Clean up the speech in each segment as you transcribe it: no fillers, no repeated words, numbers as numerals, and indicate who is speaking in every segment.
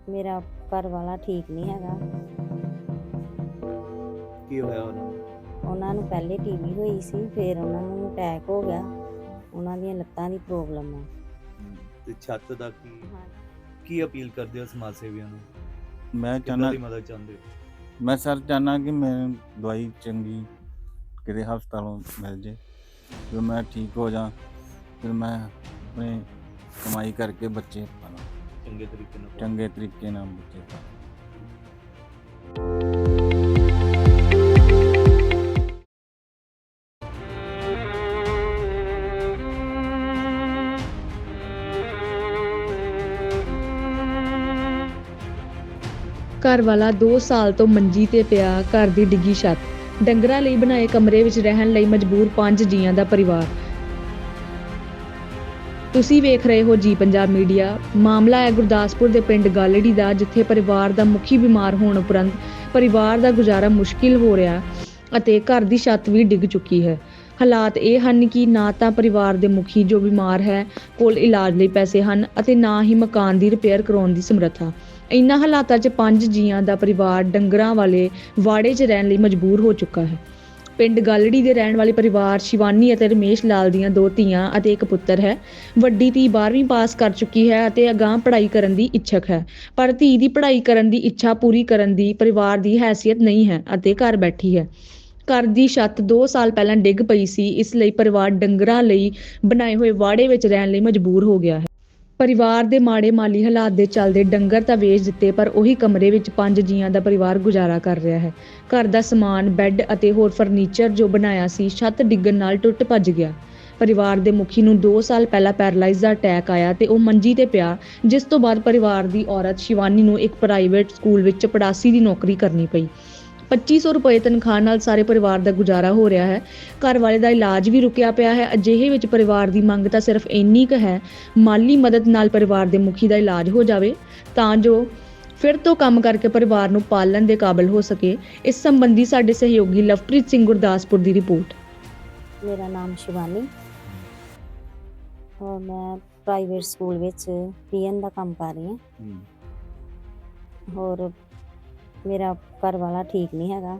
Speaker 1: ਮੇਰਾ ਘਰ ਵਾਲਾ ਠੀਕ ਨਹੀਂ ਹੈਗਾ।
Speaker 2: ਕੀ ਹੋਇਆ ਉਹਨਾਂ ਨੂੰ?
Speaker 1: ਉਹਨਾਂ ਨੂੰ ਪਹਿਲੇ ਟੀਵੀ ਹੋਈ ਸੀ, ਫਿਰ ਉਹਨਾਂ ਨੂੰ ਅਟੈਕ ਹੋ ਗਿਆ। ਉਹਨਾਂ ਦੀਆਂ ਲੱਤਾਂ ਦੀ ਪ੍ਰੋਬਲਮ ਆ।
Speaker 2: ਤੇ ਛੱਤ ਦਾ ਕੀ
Speaker 1: ਹਾਂ,
Speaker 2: ਕੀ ਅਪੀਲ ਕਰਦੇ ਹੋ ਸਮਾਜ ਸੇਵੀਆਂ ਨੂੰ?
Speaker 3: ਮੈਂ
Speaker 2: ਕਿੱਦਾਂ
Speaker 3: ਚਾਹੁੰਦਾ
Speaker 2: ਦੀ ਮਦਦ ਚਾਹੁੰਦੇ ਹੋ?
Speaker 3: ਮੈਂ ਸਰ ਚਾਹੁੰਦਾ ਕਿ ਮੈਨੂੰ ਦਵਾਈ ਚੰਗੀ ਕਿਤੇ ਹਸਪਤਾਲੋਂ ਮਿਲ ਜੇ, ਫਿਰ ਮੈਂ ਠੀਕ ਹੋ ਜਾ, ਫਿਰ ਮੈਂ ਆਪਣੇ ਕਮਾਈ ਕਰਕੇ ਬੱਚੇ ਪਾਲਾਂ,
Speaker 2: ਚੰਗੇ ਤਰੀਕੇ ਨਾਲ
Speaker 3: ਚੰਗੇ ਤਰੀਕੇ ਨਾਲ ਬੱਚੇ ਪਾਲਾਂ।
Speaker 4: ਘਰ ਵਾਲਾ 2 ਸਾਲ ਤੋਂ ਮੰਜੀ ਤੇ ਪਿਆ, ਘਰ ਦੀ ਡਿੱਗੀ ਛੱਤ, ਡੰਗਰਾਂ ਲਈ ਬਣਾਏ ਕਮਰੇ ਵਿੱਚ ਰਹਿਣ ਲਈ ਮਜਬੂਰ 5 ਜੀਆਂ ਦਾ ਪਰਿਵਾਰ। ਤੁਸੀਂ ਵੇਖ ਰਹੇ ਹੋ ਜੀ ਪੰਜਾਬ ਮੀਡੀਆ। ਮਾਮਲਾ ਹੈ ਗੁਰਦਾਸਪੁਰ ਦੇ ਪਿੰਡ ਗਾਲੜੀ ਦਾ, ਜਿੱਥੇ ਪਰਿਵਾਰ ਦਾ ਮੁਖੀ ਬਿਮਾਰ ਹੋਣ ਉਪਰੰਤ ਪਰਿਵਾਰ ਦਾ ਗੁਜ਼ਾਰਾ ਮੁਸ਼ਕਿਲ ਹੋ ਰਿਹਾ ਅਤੇ ਘਰ ਦੀ ਛੱਤ ਵੀ ਡਿੱਗ ਚੁੱਕੀ ਹੈ। ਹਾਲਾਤ ਇਹ ਹਨ ਕਿ ਨਾ ਤਾਂ ਪਰਿਵਾਰ ਦੇ ਮੁਖੀ ਜੋ ਬਿਮਾਰ ਹੈ ਕੋਲ ਇਲਾਜ ਲਈ ਪੈਸੇ ਹਨ ਅਤੇ ਨਾ ਹੀ ਮਕਾਨ ਦੀ ਰਿਪੇਅਰ ਕਰਾਉਣ ਦੀ ਸਮਰੱਥਾ। ਇਨ੍ਹਾਂ ਹਾਲਾਤਾਂ 'ਚ 5 ਜੀਆਂ ਦਾ ਪਰਿਵਾਰ ਡੰਗਰਾਂ ਵਾਲੇ ਵਾੜੇ 'ਚ ਰਹਿਣ ਲਈ ਮਜਬੂਰ ਹੋ ਚੁੱਕਾ ਹੈ। ਪਿੰਡ ਗਾਲੜੀ ਦੇ ਰਹਿਣ ਵਾਲੇ ਪਰਿਵਾਰ ਸ਼ਿਵਾਨੀ ਅਤੇ ਰਮੇਸ਼ ਲਾਲ ਦੀਆਂ 2 ਧੀਆਂ ਅਤੇ ਇੱਕ ਪੁੱਤਰ ਹੈ। ਵੱਡੀ ਧੀ 12ਵੀਂ ਪਾਸ ਕਰ ਚੁੱਕੀ ਹੈ ਅਤੇ ਅਗਾਂਹ ਪੜ੍ਹਾਈ ਕਰਨ ਦੀ ਇੱਛਕ ਹੈ, ਪਰ ਧੀ ਦੀ ਪੜ੍ਹਾਈ ਕਰਨ ਦੀ ਇੱਛਾ ਪੂਰੀ ਕਰਨ ਦੀ ਪਰਿਵਾਰ ਦੀ ਹੈਸੀਅਤ ਨਹੀਂ ਹੈ ਅਤੇ ਘਰ ਬੈਠੀ ਹੈ। ਘਰ ਦੀ ਛੱਤ 2 ਸਾਲ ਪਹਿਲਾਂ ਡਿੱਗ ਪਈ ਸੀ, ਇਸ ਲਈ ਪਰਿਵਾਰ ਡੰਗਰਾਂ ਲਈ ਬਣਾਏ ਹੋਏ ਵਾੜੇ ਵਿੱਚ ਰਹਿਣ ਲਈ ਮਜਬੂਰ ਹੋ ਗਿਆ ਹੈ। ਪਰਿਵਾਰ ਦੇ ਮਾੜੇ ਮਾਲੀ ਹਾਲਾਤ ਦੇ ਚੱਲਦੇ ਡੰਗਰ ਤਾਂ ਵੇਚ ਦਿੱਤੇ, ਪਰ ਉਹੀ ਕਮਰੇ ਵਿੱਚ 5 ਜੀਆਂ ਦਾ ਪਰਿਵਾਰ ਗੁਜ਼ਾਰਾ ਕਰ ਰਿਹਾ ਹੈ। ਘਰ ਦਾ ਸਮਾਨ, ਬੈੱਡ ਅਤੇ ਹੋਰ ਫਰਨੀਚਰ ਜੋ ਬਣਾਇਆ ਸੀ, ਛੱਤ ਡਿੱਗਣ ਨਾਲ ਟੁੱਟ ਭੱਜ ਗਿਆ। ਪਰਿਵਾਰ ਦੇ ਮੁਖੀ ਨੂੰ 2 ਸਾਲ ਪਹਿਲਾਂ ਪੈਰਾਲਾਈਜ਼ ਦਾ ਅਟੈਕ ਆਇਆ ਤੇ ਉਹ ਮੰਜੀ ਤੇ ਪਿਆ, ਜਿਸ ਤੋਂ ਬਾਅਦ ਪਰਿਵਾਰ ਦੀ ਔਰਤ ਸ਼ਿਵਾਨੀ ਨੂੰ ਇੱਕ ਪ੍ਰਾਈਵੇਟ ਸਕੂਲ ਵਿੱਚ ਚਪੜਾਸੀ ਦੀ ਨੌਕਰੀ ਕਰਨੀ ਪਈ। 2500 ਰੁਪਏ ਤਨਖਾਹ ਨਾਲ ਸਾਰੇ ਪਰਿਵਾਰ ਦਾ ਗੁਜ਼ਾਰਾ ਹੋ ਰਿਹਾ ਹੈ। ਘਰ ਵਾਲੇ ਦਾ ਇਲਾਜ ਵੀ ਰੁਕਿਆ ਪਿਆ ਹੈ। ਅਜਿਹੇ ਵਿੱਚ ਪਰਿਵਾਰ ਦੀ ਮੰਗ ਤਾਂ ਸਿਰਫ ਇੰਨੀ ਕੁ ਹੈ, ਮਾਲੀ ਮਦਦ ਨਾਲ ਪਰਿਵਾਰ ਦੇ ਮੁਖੀ ਦਾ ਇਲਾਜ ਹੋ ਜਾਵੇ ਤਾਂ ਜੋ ਫਿਰ ਤੋਂ ਕੰਮ ਕਰਕੇ ਪਰਿਵਾਰ ਨੂੰ ਪਾਲਣ ਦੇ ਕਾਬਿਲ ਹੋ ਸਕੇ। ਇਸ ਸੰਬੰਧੀ ਸਾਡੇ ਸਹਿਯੋਗੀ ਲਵਪ੍ਰੀਤ ਸਿੰਘ ਗੁਰਦਾਸਪੁਰ ਦੀ ਰਿਪੋਰਟ।
Speaker 1: ਮੇਰਾ ਨਾਮ ਸ਼ਿਵਾਨੀ ਔਰ ਮੈਂ ਪ੍ਰਾਈਵੇਟ ਸਕੂਲ ਵਿੱਚ ਪੀਐਨ ਦਾ ਕੰਮ ਕਰ ਰਹੀ ਹਾਂ। ਹੋਰ ਮੇਰਾ ਘਰ ਵਾਲਾ ਠੀਕ ਨਹੀਂ ਹੈਗਾ।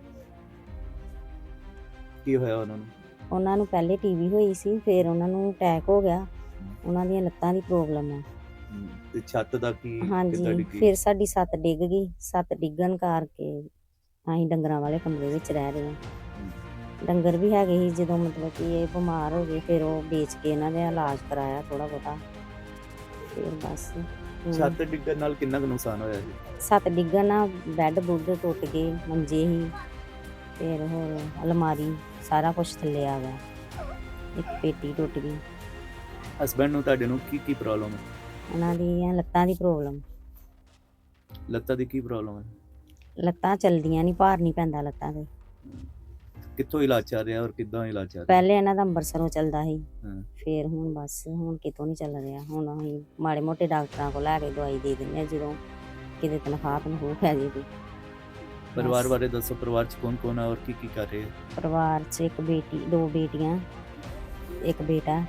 Speaker 2: ਕੀ ਹੋਇਆ ਉਹਨਾਂ ਨੂੰ?
Speaker 1: ਉਹਨਾਂ ਨੂੰ ਪਹਿਲੇ ਟੀਵੀ ਹੋਈ ਸੀ, ਫਿਰ ਉਹਨਾਂ ਨੂੰ ਅਟੈਕ ਹੋ ਗਿਆ। ਉਹਨਾਂ ਦੀਆਂ ਲੱਤਾਂ ਦੀ ਪ੍ਰੋਬਲਮ ਆ।
Speaker 2: ਤੇ ਛੱਤ ਦਾ ਕੀ ਕਿੱਦਾਂ
Speaker 1: ਹਾਂਜੀ,
Speaker 2: ਡਿੱਗੀ?
Speaker 1: ਫਿਰ ਸਾਡੀ ਛੱਤ ਡਿੱਗ ਗਈ। ਛੱਤ ਡਿੱਗਣ ਕਰਕੇ ਅਸੀਂ ਡੰਗਰਾਂ ਵਾਲੇ ਕਮਰੇ ਵਿੱਚ ਰਹਿ ਰਹੇ ਹਾਂ। ਡੰਗਰ ਵੀ ਹੈਗੇ ਸੀ, ਜਦੋਂ ਮਤਲਬ ਕਿ ਇਹ ਬਿਮਾਰ ਹੋ ਗਏ, ਫਿਰ ਉਹ ਵੇਚ ਕੇ ਇਹਨਾਂ ਦਾ ਇਲਾਜ ਕਰਾਇਆ ਥੋੜ੍ਹਾ ਬਹੁਤਾ। ਫਿਰ ਬਸ
Speaker 2: ਛੱਤ ਡਿੱਗਣ ਨਾਲ ਕਿੰਨਾ ਕੁ ਨੁਕਸਾਨ ਹੋਇਆ ਜੀ?
Speaker 1: ਛੱਤ ਡਿੱਗਣ ਨਾਲ ਬੈੱਡ ਬੁੱਡ ਟੁੱਟ ਗਏ, ਮੰਜੇ ਸੀ, ਫਿਰ ਹੋਰ ਅਲਮਾਰੀ, ਸਾਰਾ ਕੁਛ ਥੱਲੇ ਆ ਗਿਆ। ਇੱਕ ਪੇਟੀ ਟੁੱਟ ਗਈ।
Speaker 2: ਹਸਬੈਂਡ ਨੂੰ ਤੁਹਾਡੇ ਨੂੰ ਕੀ ਪ੍ਰੋਬਲਮ ਹੈ?
Speaker 1: ਉਹਨਾਂ ਦੀਆਂ ਲੱਤਾਂ ਦੀ ਪ੍ਰੋਬਲਮ।
Speaker 2: ਲੱਤਾਂ ਦੀ ਕੀ ਪ੍ਰੋਬਲਮ ਹੈ?
Speaker 1: ਲੱਤਾਂ ਚਲਦੀਆਂ ਨਹੀਂ, ਭਾਰ ਨਹੀਂ ਪੈਂਦਾ ਲੱਤਾਂ 'ਤੇ।
Speaker 2: ਕਿੱਥੋਂ ਇਲਾਜ ਚੱਲ ਰਿਹਾ ਔਰ ਕਿੱਦਾਂ ਇਲਾਜ ਚੱਲ ਰਿਹਾ?
Speaker 1: ਪਹਿਲੇ ਇਹਨਾਂ ਦਾ ਅੰਬਰਸਰੋਂ ਚੱਲਦਾ ਸੀ,
Speaker 2: ਹਾਂ।
Speaker 1: ਫਿਰ ਹੁਣ ਬਸ ਹੁਣ ਕਿਤੋਂ ਨਹੀਂ ਚੱਲ ਰਿਹਾ। ਹੁਣ ਅਸੀਂ ਮਾੜੇ ਮੋਟੇ ਡਾਕਟਰਾਂ ਕੋਲ ਲੈ ਕੇ ਦਵਾਈ ਦੇ ਦਿੰਦੇ ਹਾਂ ਜਦੋਂ ਕਿਤੇ ਤਨਖਾਹ ਪੈ ਜਾਏਗੀ।
Speaker 2: ਪਰਿਵਾਰ ਬਾਰੇ ਦੱਸੋ, ਪਰਿਵਾਰ 'ਚ ਕੌਣ ਕੌਣ ਹੈ ਔਰ ਕੀ ਕੀ ਕਰ ਰਹੇ ਹੈ?
Speaker 1: ਪਰਿਵਾਰ 'ਚ ਇੱਕ ਬੇਟੀ, 2 ਬੇਟੀਆਂ, ਇੱਕ ਬੇਟਾ।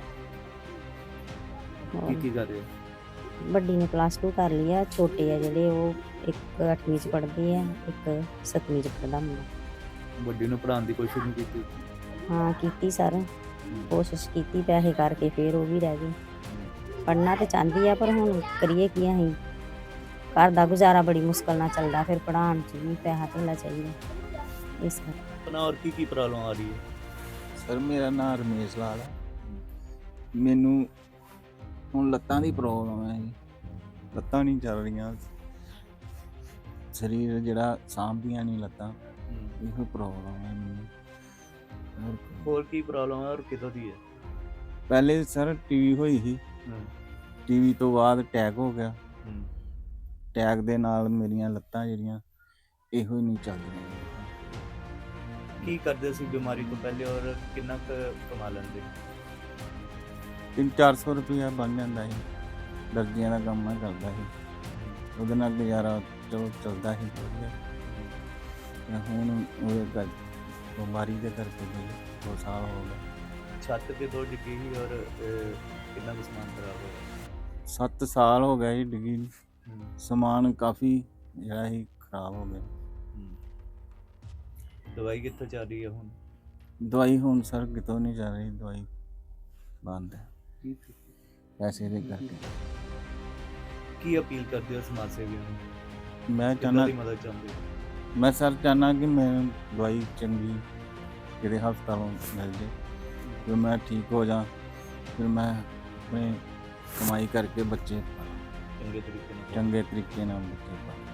Speaker 2: ਕੀ ਕੀ ਕਰ ਰਹੇ ਹੈ?
Speaker 1: ਵੱਡੀ ਨੇ +2 ਕਰ ਲਈ ਆ, ਛੋਟੇ ਆ ਜਿਹੜੇ ਉਹ ਇੱਕ 8ਵੀਂ 'ਚ ਪੜ੍ਹਦੀ ਆ, ਇੱਕ 7ਵੀਂ 'ਚ ਪੜ੍ਹਦਾ ਮੁੰਡਾ।
Speaker 2: ਵੱਡੀ ਨੂੰ ਪੜ੍ਹਾਉਣ ਦੀ ਕੋਸ਼ਿਸ਼ ਨਹੀਂ ਕੀਤੀ?
Speaker 1: ਹਾਂ ਕੀਤੀ ਸਰ, ਕੋਸ਼ਿਸ਼ ਕੀਤੀ, ਪੈਸੇ ਕਰਕੇ ਫਿਰ ਉਹ ਵੀ ਰਹਿ ਗਈ। ਪੜ੍ਹਨਾ ਤਾਂ ਚਾਹੁੰਦੀ ਆ, ਪਰ ਹੁਣ ਕਰੀਏ ਕੀ ਅਸੀਂ? ਘਰ ਦਾ ਗੁਜ਼ਾਰਾ ਬੜੀ ਮੁਸ਼ਕਲ ਨਾਲ ਚੱਲਦਾ, ਫਿਰ ਪੜ੍ਹਾਉਣ 'ਚ ਵੀ ਪੈਸਾ ਧੇਲਾ ਚਾਹੀਦਾ, ਇਸ ਕਰਕੇ।
Speaker 2: ਆਪਣਾ ਔਰ ਕੀ ਕੀ ਪ੍ਰੋਬਲਮ ਆ ਰਹੀ ਹੈ?
Speaker 3: ਸਰ ਮੇਰਾ ਨਾਮ ਰਮੇਸ਼ ਲਾਲ ਹੈ। ਮੈਨੂੰ ਹੁਣ ਲੱਤਾਂ ਦੀ ਪ੍ਰੋਬਲਮ ਹੈ ਜੀ, ਲੱਤਾਂ ਨਹੀਂ ਚੱਲ ਰਹੀਆਂ, ਸਰੀਰ ਜਿਹੜਾ ਸਾਂਭਦੀਆਂ ਨਹੀਂ ਲੱਤਾਂ, ਇਹੋ ਪ੍ਰੋਬਲਮ ਹੈ ਮੈਨੂੰ।
Speaker 2: ਹੋਰ ਕੀ ਪ੍ਰੋਬਲਮ ਹੈ ਔਰ ਕਿੱਦਾਂ ਦੀ ਹੈ?
Speaker 3: ਪਹਿਲੇ ਸਰ ਟੀਵੀ ਹੋਈ ਸੀ, ਟੀਵੀ ਤੋਂ ਬਾਅਦ ਅਟੈਕ ਹੋ ਗਿਆ। ਅਟੈਕ ਦੇ ਨਾਲ ਮੇਰੀਆਂ ਲੱਤਾਂ ਜਿਹੜੀਆਂ ਇਹੋ ਹੀ ਨਹੀਂ ਚੱਲਦੀਆਂ।
Speaker 2: ਕੀ ਕਰਦੇ ਸੀ ਬਿਮਾਰੀ ਤੋਂ ਪਹਿਲੇ ਔਰ ਕਿੰਨਾ ਕੁ ਕਮਾ ਲੈਂਦੇ?
Speaker 3: 300-400 ਰੁਪਇਆ ਬਣ ਜਾਂਦਾ ਸੀ। ਦਰਜੀਆਂ ਦਾ ਕੰਮ ਮੈਂ ਕਰਦਾ ਸੀ, ਉਹਦੇ ਨਾਲ ਗੁਜ਼ਾਰਾ ਚਲੋ ਚੱਲਦਾ ਸੀ ਵਧੀਆ। ਹੁਣ ਉਹਦੇ ਬਿਮਾਰੀ ਦੇ ਕਰਕੇ 2 ਸਾਲ ਹੋ ਗਏ।
Speaker 2: ਛੱਤ ਕਿਦੋਂ ਡਿੱਗੀ ਸੀ ਔਰ ਕਿੰਨਾ ਕੁ ਸਮਾਨ ਖਰਾਬ ਹੋਇਆ?
Speaker 3: 7 ਸਾਲ ਹੋ ਗਏ ਜੀ ਡਿੱਗੀ ਨੂੰ। ਸਮਾਨ ਕਾਫੀ ਜਿਹੜਾ ਸੀ ਖਰਾਬ ਹੋ ਗਿਆ।
Speaker 2: ਦਵਾਈ ਕਿੱਥੋਂ ਚੱਲ ਰਹੀ ਹੈ ਹੁਣ?
Speaker 3: ਦਵਾਈ ਹੁਣ ਸਰ ਕਿਤੋਂ ਨਹੀਂ ਚੱਲ ਰਹੀ, ਦਵਾਈ ਬੰਦ ਹੈ ਪੈਸੇ ਦੇ ਕਰਕੇ।
Speaker 2: ਕੀ ਅਪੀਲ ਕਰਦੇ ਹੋ ਸਮਾਜ ਸੇਵੀਆਂ ਨੂੰ?
Speaker 3: ਮੈਂ
Speaker 2: ਕਿੱਦਾਂ
Speaker 3: ਚਾਹੁੰਦਾ
Speaker 2: ਦੀ ਮਦਦ ਚਾਹੁੰਦੇ ਹੋ?
Speaker 3: ਮੈਂ ਸਰ ਚਾਹੁੰਦਾ ਕਿ ਮੈਨੂੰ ਦਵਾਈ ਚੰਗੀ ਕਿਤੇ ਹਸਪਤਾਲੋਂ ਮਿਲ ਜੇ, ਫਿਰ ਮੈਂ ਠੀਕ ਹੋ ਜਾ, ਫਿਰ ਮੈਂ ਆਪਣੇ ਕਮਾਈ ਕਰਕੇ ਬੱਚੇ
Speaker 2: ਚੰਗੇ ਤਰੀਕੇ ਨਾਲ
Speaker 3: ਚੰਗੇ ਤਰੀਕੇ ਨਾਲ ਬੱਚੇ ਪਾਲਾਂ।